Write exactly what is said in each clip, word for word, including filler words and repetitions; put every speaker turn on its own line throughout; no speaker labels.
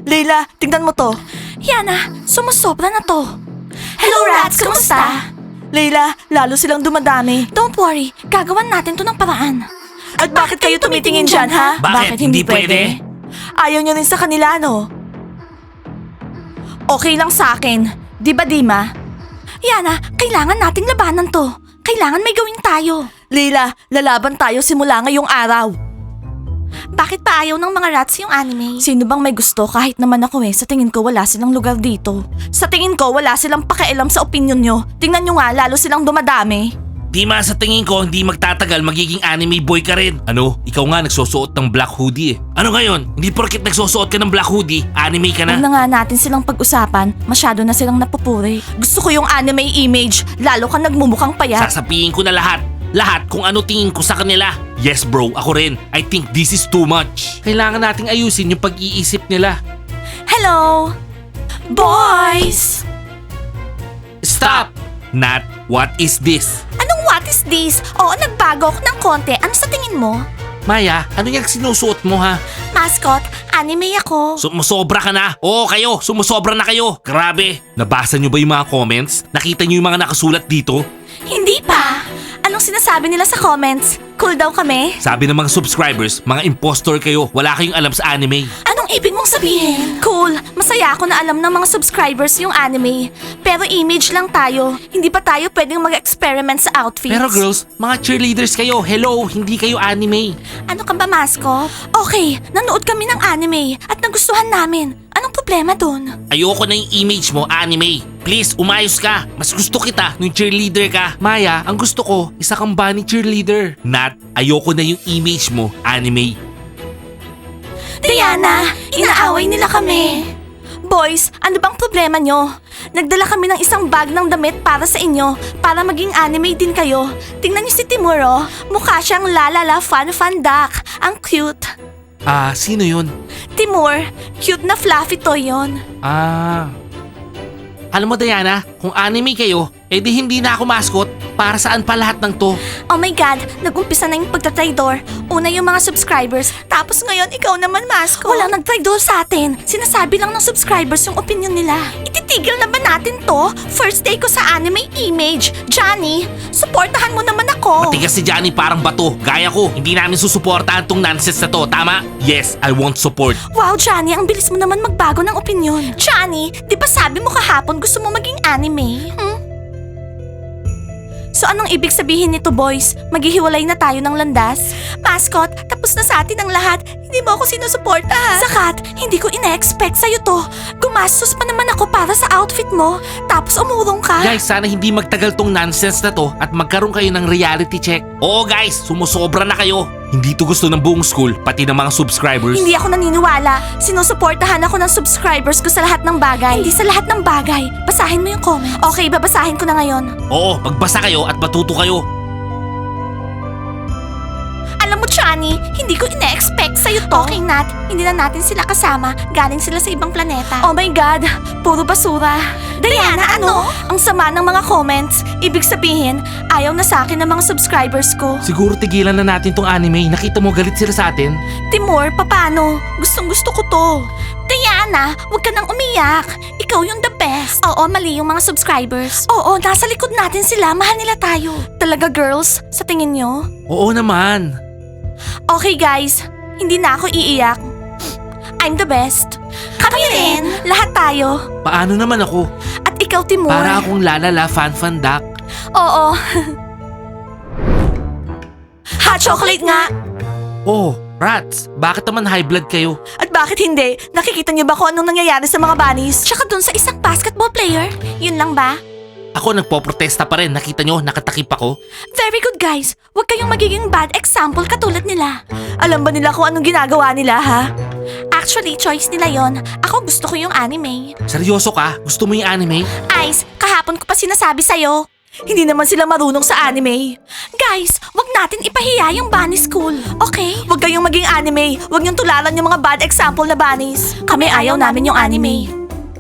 Leila, tingnan mo to.
Yana, sumusobra na to. Hello, Rats! Kumusta?
Leila, lalo silang dumadami.
Don't worry, gagawan natin to ng paraan.
At bakit kayo tumitingin dyan, ha?
Bakit? Hindi pwede?
Ayaw nyo rin sa kanila, no? Okay lang sa akin. Di ba, Dima?
Yana, kailangan nating labanan to. Kailangan may gawin tayo.
Leila, lalaban tayo simula ngayong araw.
Bakit pa ayaw ng mga rats yung anime?
Sino bang may gusto kahit naman ako eh? Sa tingin ko wala silang lugar dito. Sa tingin ko wala silang pakialam sa opinion nyo. Tingnan nyo nga, lalo silang dumadami.
Dima, sa tingin ko, hindi magtatagal magiging anime boy ka rin. Ano? Ikaw nga nagsusuot ng black hoodie eh. Ano ngayon? Hindi porket nagsusuot ka ng black hoodie, anime ka
Huwag
na?
na nga natin silang pag-usapan. Masyado na silang napupuri. Gusto ko yung anime image. Lalo ka nagmumukhang payat.
Sasabihin ko na lahat. Lahat kung ano tingin ko sa kanila. Yes bro, ako rin. I think this is too much. Kailangan nating ayusin yung pag-iisip nila.
Hello! Boys!
Stop! Nat, what is this?
Anong what is this? Oo, nagbago ako ng konti. Ano sa tingin mo?
Maya, ano yung sinusuot mo ha?
Mascot, anime ako.
Sumusobra ka na. Oo kayo, sumusobra na kayo. Grabe. Nabasa nyo ba yung mga comments? Nakita nyo yung mga nakasulat dito?
Hindi pa.
Anong sinasabi nila sa comments? Cool daw kami?
Sabi ng mga subscribers, mga impostor kayo. Wala kayong alam sa anime.
Anong ibig mong sabihin?
Cool! Masaya ako na alam ng mga subscribers yung anime. Pero image lang tayo. Hindi pa tayo pwedeng mag-experiment sa outfits.
Pero girls, mga cheerleaders kayo. Hello, hindi kayo anime.
Ano ka ba, Mascot? Okay, nanood kami ng anime at nagustuhan namin. Anong problema dun?
Ayoko na yung image mo, anime. Please, umayos ka. Mas gusto kita nung cheerleader ka. Maya, ang gusto ko, isa kang bunny cheerleader. Nat, ayoko na yung image mo, anime.
Diana, inaaway nila kami.
Boys, ano bang problema nyo? Nagdala kami ng isang bag ng damit para sa inyo, para maging anime din kayo. Tingnan niyo si Timur, oh. Mukha siyang lalala fan fan duck. Ang cute.
Ah, sino yun?
Timur, cute na fluffy toy yon.
Ah... Alam mo Diana, kung anime kayo, edi hindi na ako mascot. Para saan pa lahat ng to?
Oh my God, nag-umpisa na yung pagtatraidor. Una yung mga subscribers, tapos ngayon ikaw naman, Mascot. Walang nagtraidor sa atin. Sinasabi lang ng subscribers yung opinion nila. Ititigil na ba natin to? First day ko sa anime image. Johnny, supportahan mo naman ako.
Matigas si Johnny parang bato. Gaya ko, hindi namin susuportahan tong nonsense na to. Tama? Yes, I won't support.
Wow, Johnny, ang bilis mo naman magbago ng opinion. Johnny, di ba sabi mo kahapon gusto mo maging anime? Hmm? So anong ibig sabihin nito, boys? Maghihiwalay na tayo ng landas? Mascot, tapos na sa atin ang lahat. Hindi mo ako sinusuporta, ha? Sakat, hindi ko ina-expect sa'yo to. Gumastos pa naman ako para sa outfit mo. Tapos umurong ka.
Guys, sana hindi magtagal tong nonsense na to at magkaroon kayo ng reality check. Oo guys, sumusobra na kayo. Hindi to gusto ng buong school, pati ng mga subscribers.
Hindi ako naniniwala. Sinusuportahan ako ng subscribers ko sa lahat ng bagay. Hindi sa lahat ng bagay. Basahin mo yung comments. Okay, babasahin ko na ngayon.
Oo, magbasa kayo at matuto kayo.
Alam mo, Chani, hindi ko ina-expect sa'yo to. Okay, Nat. Hindi na natin sila kasama. Galing sila sa ibang planeta. Oh my God, puro basura. Diana, ano? Ang sama ng mga comments. Ibig sabihin, ayaw na sa akin ng mga subscribers ko.
Siguro tigilan na natin tong anime. Nakita mo galit sila sa atin.
Timur, papano? Gustong gusto ko to. Diana, huwag ka nang umiyak. Ikaw yung the best. Oo, mali yung mga subscribers. Oo, nasa likod natin sila. Mahal nila tayo. Talaga, girls? Sa tingin nyo?
Oo naman.
Okay, guys. Hindi na ako iiyak. I'm the best. Kami rin. Lahat tayo.
Paano naman ako?
At ikaw, Timur.
Para akong lalala fan fan duck.
Oo. Hot chocolate nga.
Oh, rats, bakit naman high blood kayo?
At bakit hindi? Nakikita niyo ba kung anong nangyayari sa mga bunnies? Tsaka dun sa isang basketball player? Yun lang ba?
Ako nagpoprotesta pa rin. Nakita nyo, nakatakip ako.
Very good, guys. Huwag kayong magiging bad example katulad nila. Alam ba nila kung anong ginagawa nila, ha? Actually, choice nila yon. Ako gusto ko yung anime.
Seryoso ka? Gusto mo yung anime?
Ice, kahapon ko pa sinasabi sa'yo. Hindi naman sila marunong sa anime. Guys, wag natin ipahiya yung bunny school, okay? Wag kayong maging anime. Wag niyong tularan yung mga bad example na bunnies. Kami ayaw namin yung anime.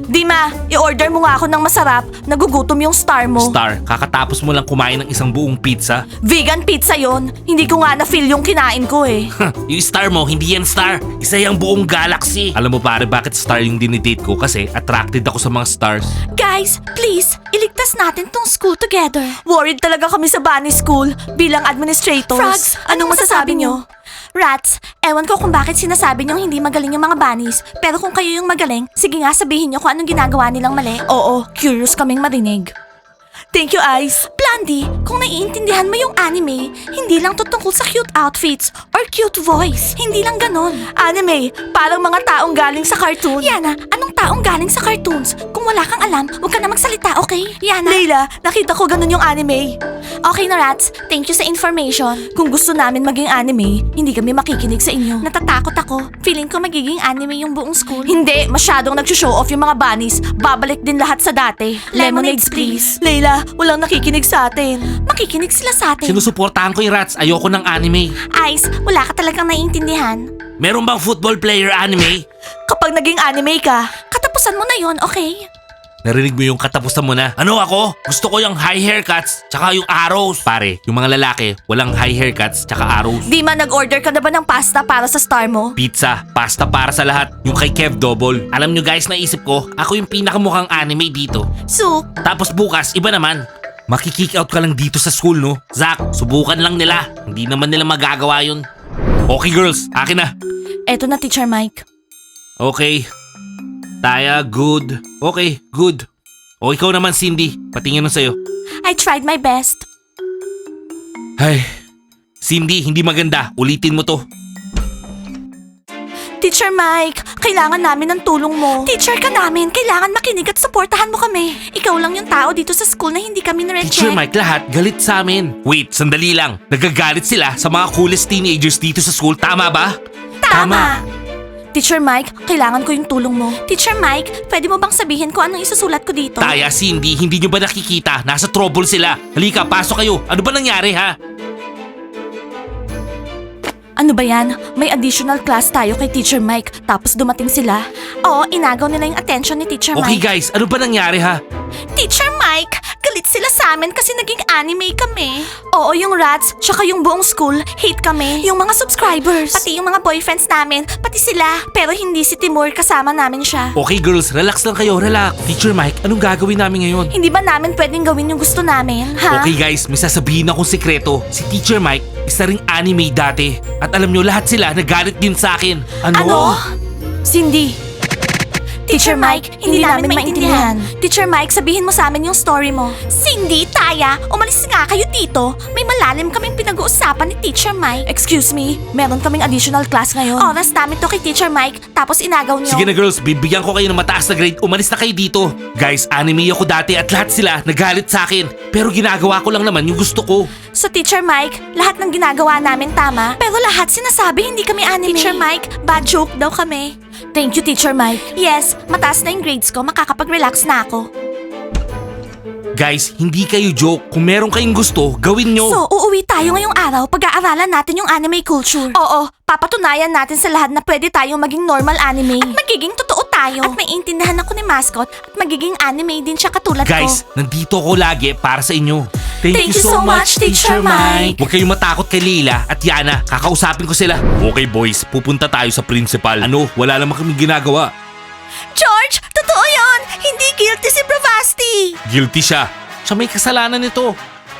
Dima, i-order mo nga ako ng masarap. Nagugutom yung star mo.
Star, kakatapos mo lang kumain ng isang buong pizza.
Vegan pizza yon. Hindi ko nga na-feel yung kinain ko eh.
Yung star mo, hindi yan star. Isa yung buong galaxy. Alam mo pare, bakit star yung dinidate ko? Kasi attracted ako sa mga stars.
Guys, please, iligtas natin tong school together. Worried talaga kami sa Bunny School bilang administrators.
Frogs, anong masasabi nyo?
Rats, ewan ko kung bakit sinasabi niyong hindi magaling yung mga bunnies. Pero kung kayo yung magaling, sige nga sabihin niyo kung anong ginagawa nilang mali. Oo, curious kaming marinig. Thank you, Ice. Blondie, kung naiintindihan mo yung anime, hindi lang to tungkol sa cute outfits or cute voice. Hindi lang ganon. Anime, parang mga taong galing sa cartoon. Yana, anong taong galing sa cartoons? Kung wala kang alam, huwag ka na magsalita, okay? Yana. Layla, nakita ko ganon yung anime. Okay na, Rats. Thank you sa information. Kung gusto namin maging anime, hindi kami makikinig sa inyo. Natatakot ako. Feeling ko magiging anime yung buong school. Hindi, masyadong nag-show off yung mga bunnies. Babalik din lahat sa dati. Lemonades, please. Layla, walang nakikinig sa atin. Makikinig sila sa atin.
Sinusuportahan ko yung rats. Ayoko ng anime.
Ice, wala ka talagang naiintindihan.
Meron bang football player anime?
Kapag naging anime ka, katapusan mo na yon, okay?
Narinig mo yung katapusan mo na? Ano ako? Gusto ko yung high haircuts, tsaka yung arrows. Pare, yung mga lalaki, walang high haircuts, tsaka arrows.
Di man nag-order ka na ba ng pasta para sa star mo?
Pizza, pasta para sa lahat. Yung kay Kev Double. Alam nyo guys, naisip ko, ako yung pinakamukhang anime dito.
Soup.
Tapos bukas, iba naman. Makikick out ka lang dito sa school, no? Zach, subukan lang nila. Hindi naman nila magagawa yun. Okay girls, akin na.
Eto na, Teacher Mike.
Okay. Taya, good. Okay, good. O ikaw naman, Cindy. Patingin na sa'yo.
I tried my best.
Ay, Cindy, hindi maganda. Ulitin mo to.
Teacher Mike, kailangan namin ng tulong mo. Teacher ka namin, kailangan makinig at suportahan mo kami. Ikaw lang yung tao dito sa school na hindi kami nare-check.
Teacher Mike, lahat galit sa amin. Wait, sandali lang. Nagagalit sila sa mga coolest teenagers dito sa school. Tama ba?
Tama. Teacher Mike, kailangan ko yung tulong mo. Teacher Mike, pwede mo bang sabihin ko anong isusulat ko dito?
Taya, Cindy, hindi nyo ba nakikita? Nasa trouble sila. Halika, pasok kayo. Ano ba nangyari, ha?
Ano ba yan? May additional class tayo kay Teacher Mike, tapos dumating sila. Oo, inagaw nila yung attention ni Teacher
Okay
Mike.
guys, ano ba nangyari, ha?
Teacher Mike, galit sila sa amin kasi naging anime kami. Oo, yung rats, tsaka yung buong school, hate kami. Yung mga subscribers. Pati yung mga boyfriends namin, pati sila. Pero hindi si Timur, kasama namin siya.
Okay girls, relax lang kayo, relax. Teacher Mike, anong gagawin namin ngayon?
Hindi ba namin pwedeng gawin yung gusto namin, ha?
Okay guys, may sasabihin akong sekreto. Si Teacher Mike, isa ring anime dati. At alam nyo, lahat sila nagalit din sa akin.
Ano? Cindy. Teacher Mike, hindi, namin maintindihan. Teacher Mike, sabihin mo sa amin yung story mo. Cindy, Taya, umalis nga kayo dito. May malalim kaming pinag-uusapan ni Teacher Mike. Excuse me, meron kaming additional class ngayon. Oras namin to kay Teacher Mike, tapos inagaw niyo.
Sige na girls, bibigyan ko kayo ng mataas na grade. Umalis na kayo dito. Guys, anime ako dati at lahat sila nagalit sa akin. Pero ginagawa ko lang naman yung gusto ko.
So Teacher Mike, lahat ng ginagawa namin tama. Pero lahat sinasabi hindi kami anime. Teacher Mike, bad joke daw kami. Thank you, Teacher Mike. Yes, mataas na yung grades ko, makakapag-relax na ako.
Guys, hindi kayo joke. Kung meron kayong gusto, gawin nyo.
So, uuwi tayo ngayong araw, pag-aaralan natin yung anime culture. Oo, papatunayan natin sa lahat na pwede tayong maging normal anime. At magiging totoo tayo. At maiintindihan ako ni Mascot at magiging anime din siya katulad
Guys,
ko.
nandito ako lagi para sa inyo.
Thank you so much, Teacher Mike.
Huwag kayong matakot kay Leila at Yana. Kakausapin ko sila. Okay boys, pupunta tayo sa principal. Ano, wala naman kaming ginagawa.
George, totoo yon. Hindi guilty si Bravasti.
Guilty siya. Siya may kasalanan nito.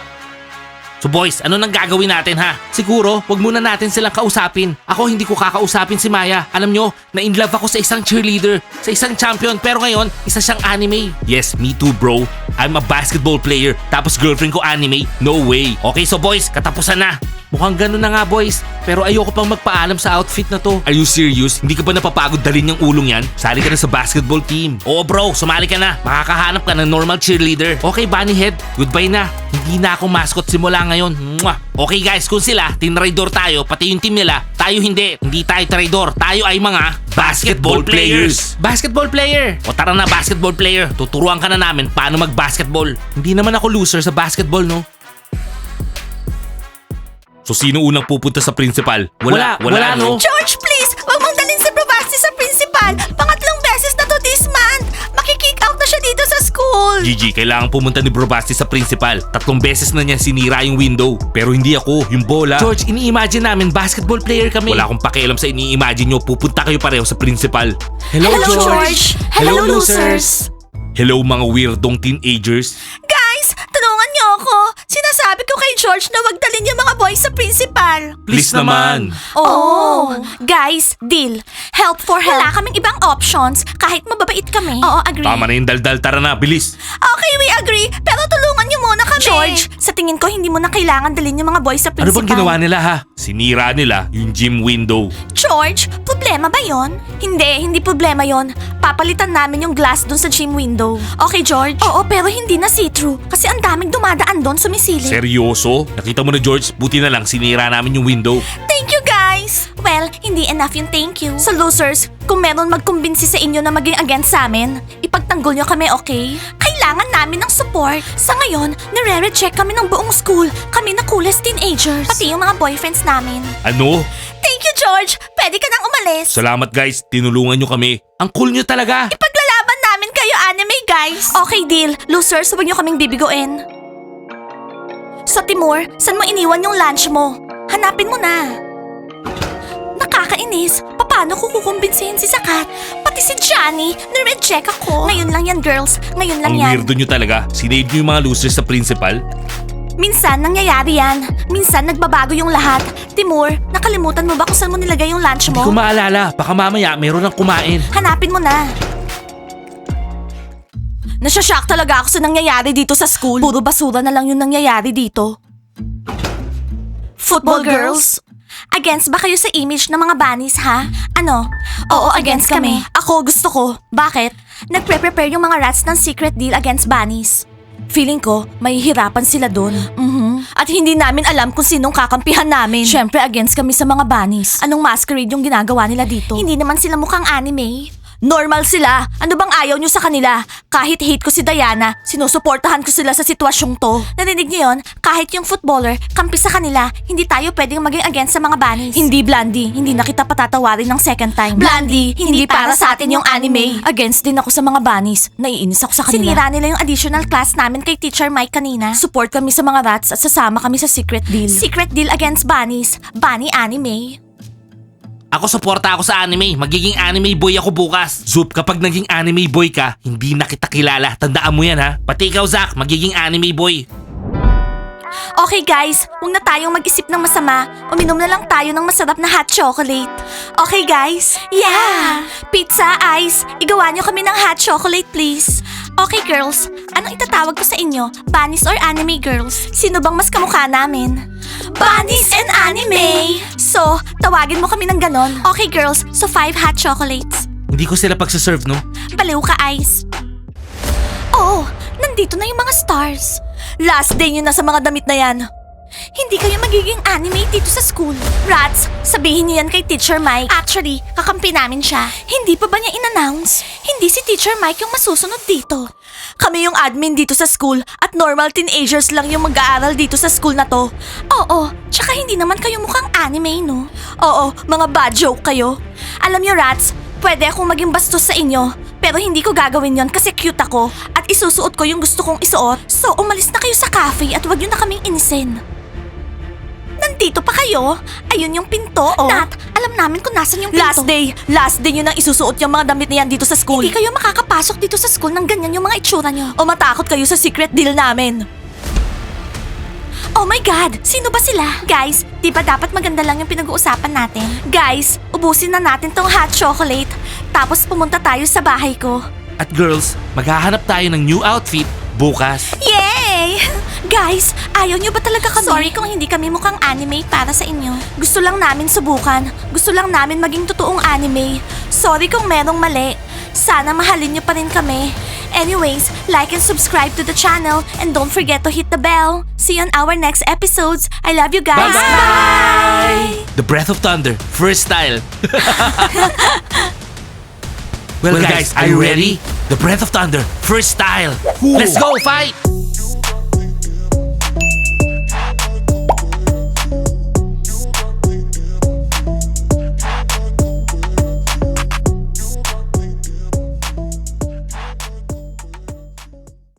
So boys, ano nang gagawin natin ha? Siguro, wag muna natin silang kausapin. Ako hindi ko kakausapin si Maya. Alam nyo, na-inlove ako sa isang cheerleader, sa isang champion, pero ngayon, isa siyang anime. Yes, me too bro. I'm a basketball player, tapos girlfriend ko anime. No way. Okay, so boys, katapusan na. Mukhang ganun na nga boys, pero ayoko pang magpaalam sa outfit na to. Are you serious? Hindi ka ba napapagod dalhin yung ulong yan? Sali ka na sa basketball team. Oo bro, sumali ka na. Makakahanap ka ng normal cheerleader. Okay, Bunnyhead, goodbye na. Hindi na ako mascot simula ngayon. Mwah! Okay guys, kung sila, tinraidor tayo, pati yung team nila, tayo hindi. Hindi tayo traidor, tayo ay mga basketball players. Basketball player! O tara na basketball player, tuturuan ka na namin paano mag-basketball. Hindi naman ako loser sa basketball, no? So sino unang pupunta sa principal? Wala, wala, no?
George, please, wag mong dalhin si Bravasti sa principal. Pangatlong beses na to this month. Makikita
school.
Gigi, kailangan pumunta ni Bro Basti sa principal. Tatlong beses na niya sinira yung window. Pero hindi ako, yung bola. George, ini-imagine namin basketball player kami. Wala akong pakialam sa ini-imagine nyo. Pupunta kayo pareho sa principal. Hello,
Hello, George. Hello, losers.
Hello mga weirdong teenagers.
Guys, tulungan niyo ako. Sinasabi ko kay George na wag dalhin yung mga boys sa principal.
Please naman.
Oh, guys, deal. Help for help. Wala kaming ibang options kahit mababait kami. Oo, agree.
Tama na yung daldal, tara na, bilis.
Okay, we agree. Pero tulungan niyo muna kami.
George, sa tingin ko hindi mo na kailangan dalhin yung mga boys sa
Ano
principal.
bang ginawa nila ha? Sinira nila yung gym window.
George, problema ba yon? Hindi, hindi problema yon. Papalitan namin yung glass dun sa gym window. Okay, George? Oo, pero hindi na see-through. Kasi ang daming dumadaan doon sumisili.
Seryoso? Nakita mo na George, buti na lang sinira namin yung window.
Thank you, guys! Well, hindi enough yung thank you. So losers, kung meron magkumbinsi sa inyo na maging against sa amin, ipagtanggol nyo kami, okay? Kailangan namin ng support. Sa ngayon, nire-reject kami ng buong school. Kami na coolest teenagers. Pati yung mga boyfriends namin.
Ano?
Thank you, George. Pwede ka nang umalis.
Salamat guys, tinulungan nyo kami. Ang cool nyo talaga.
Paglalaban namin kayo, anime guys.
Okay, deal. Losers, huwag nyo kaming bibiguin. Sa Timur, saan mo iniwan yung lunch mo? Hanapin mo na. Nakakainis. Paano ko kukumbinsihin si Sakat? Pati si Johnny, nireject ako. Ngayon lang yan, girls. Ngayon lang
Ang
yan.
weirdo nyo talaga. Sinave nyo yung mga losers sa principal.
Minsan nangyayari yan. Minsan nagbabago yung lahat. Timur, nakalimutan mo ba kung saan mo nilagay yung lunch
Hindi
mo?
ko maalala. Baka mamaya meron ng kumain.
Hanapin mo na. Nasyashock talaga ako sa nangyayari dito sa school. Puro basura na lang yung nangyayari dito. Football girls? Against ba kayo sa image ng mga bunnies, ha? Ano? Oo, against kami. Ako, gusto ko. Bakit? Nagpre-prepare yung mga rats ng secret deal against bunnies. Feeling ko, mahihirapan sila doon. Mhm. At hindi namin alam kung sinong kakampihan namin. Siyempre, against kami sa mga bunnies. Anong masquerade yung ginagawa nila dito? Hindi naman sila mukhang anime. Normal sila. Ano bang ayaw nyo sa kanila? Kahit hate ko si Diana, sinusuportahan ko sila sa sitwasyong to. Narinig niyo yun? Kahit yung footballer, kampi sa kanila, hindi tayo pwedeng maging against sa mga bunnies. Hindi, Blandy. Hindi na kita patatawarin ng second time. Blandy, hindi, para sa atin yung anime. Against din ako sa mga bunnies. Naiinis ako sa kanila. Sinira nila yung additional class namin kay Teacher Mike kanina. Support kami sa mga rats at sasama kami sa secret deal. Secret deal against bunnies. Bunny anime.
Ako suporta ako sa anime. Magiging anime boy ako bukas. Zup, kapag naging anime boy ka, hindi na kita kilala. Tandaan mo yan ha. Pati ikaw Zach, magiging anime boy.
Okay guys, huwag na tayong mag-isip ng masama. Uminom na lang tayo ng masarap na hot chocolate. Okay guys? Yeah! Pizza, ice, igawa niyo kami ng hot chocolate please. Okay girls, anong itatawag ko sa inyo? Bunnies or anime girls? Sino bang mas kamukha namin? Bunnies and anime! So, tawagin mo kami ng ganon. Okay girls, so five hot chocolates.
Hindi ko sila pagsaserve no?
Baliw ka, Ice. Oh, nandito na yung mga stars. Last day nyo na sa mga damit na yan. Hindi kayo magiging anime dito sa school. Rats, sabihin niyo yan kay Teacher Mike. Actually, kakampi namin siya. Hindi pa ba niya in-announce? Hindi si Teacher Mike yung masusunod dito. Kami yung admin dito sa school at normal teenagers lang yung mag-aaral dito sa school na to. Oo, tsaka hindi naman kayo mukhang anime, no? Oo, mga bad joke kayo. Alam niyo, Rats, pwede akong maging bastos sa inyo. Pero hindi ko gagawin yon kasi cute ako at isusuot ko yung gusto kong isuot. So, umalis na kayo sa cafe at wag yun na kaming inisin. Nandito pa kayo? Ayun yung pinto, oh. Nat, alam namin kung nasan yung pinto. Last day. Last day nyo nang isusuot yung mga damit na yan dito sa school. Hindi kayo makakapasok dito sa school nang ganyan yung mga itsura nyo. O matakot kayo sa secret deal namin. Oh my God! Sino ba sila? Guys, di ba dapat maganda lang yung pinag-uusapan natin? Guys, ubusin na natin tong hot chocolate. Tapos pumunta tayo sa bahay ko.
At girls, maghahanap tayo ng new outfit bukas.
Yay! Guys, ayaw nyo ba talaga kami? Sorry kung hindi kami mukhang anime para sa inyo. Gusto lang namin subukan. Gusto lang namin maging totoong anime. Sorry kung merong mali. Sana mahalin nyo pa rin kami. Anyways, like and subscribe to the channel and don't forget to hit the bell. See you on our next episodes. I love you guys.
Bye-bye! The Breath of Thunder, first style. well,
Well,
guys,
guys,
are you ready? The Breath of Thunder, first style. Let's go, fight!